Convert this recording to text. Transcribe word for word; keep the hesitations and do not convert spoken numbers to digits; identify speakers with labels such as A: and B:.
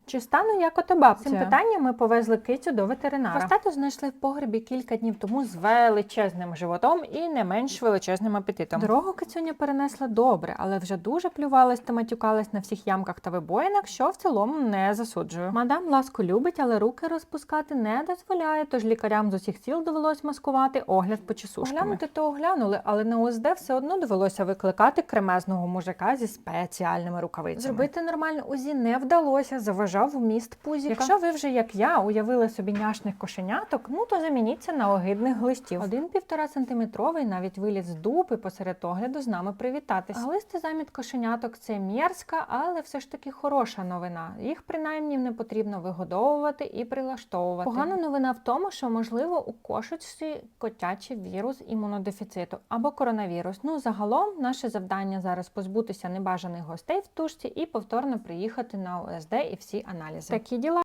A: Чи стану як ото бабця?
B: Цим
A: Цим питанням ми повезли кицю до ветеринара. Хвостату знайшли в погребі кілька днів тому з величезним животом і не менш величезним апетитом. Дорогу кицюня перенесла добре, але вже дуже плювалась та матюкалась на всіх ямках та вибоїнах, що в цілому не засуджую. Мадам ласку любить, але руки розпускати не дозволяє, тож лікарям з усіх сіл довелось маскувати огляд почесушками. Оглянути то оглянули, але на ОСД все одно довелося викликати кремезного мужика зі спеціальними рукавицями. Зробити нормальне УЗІ не вдалося, заважав вміст пузіка. Якщо ви вже, як я, уявили собі няшних кошеняток, ну то замініться на огидних глистів. Один півтора сантиметровий навіть виліз з дупи посеред огляду з нами привітатись. Глисти заміт кошеняток – це мерзка, але все ж таки хороша новина. Їх принаймні не потрібно вигодовувати і прилаштовувати. Погана новина в тому, що можливо у кошечці котячий вірус імунодефіциту або коронавірус. Ну, загалом, наше завдання зараз позбутися небажаних гостей в тушці і повторно приїхати на ОСД і всі аналізи. Такі діла.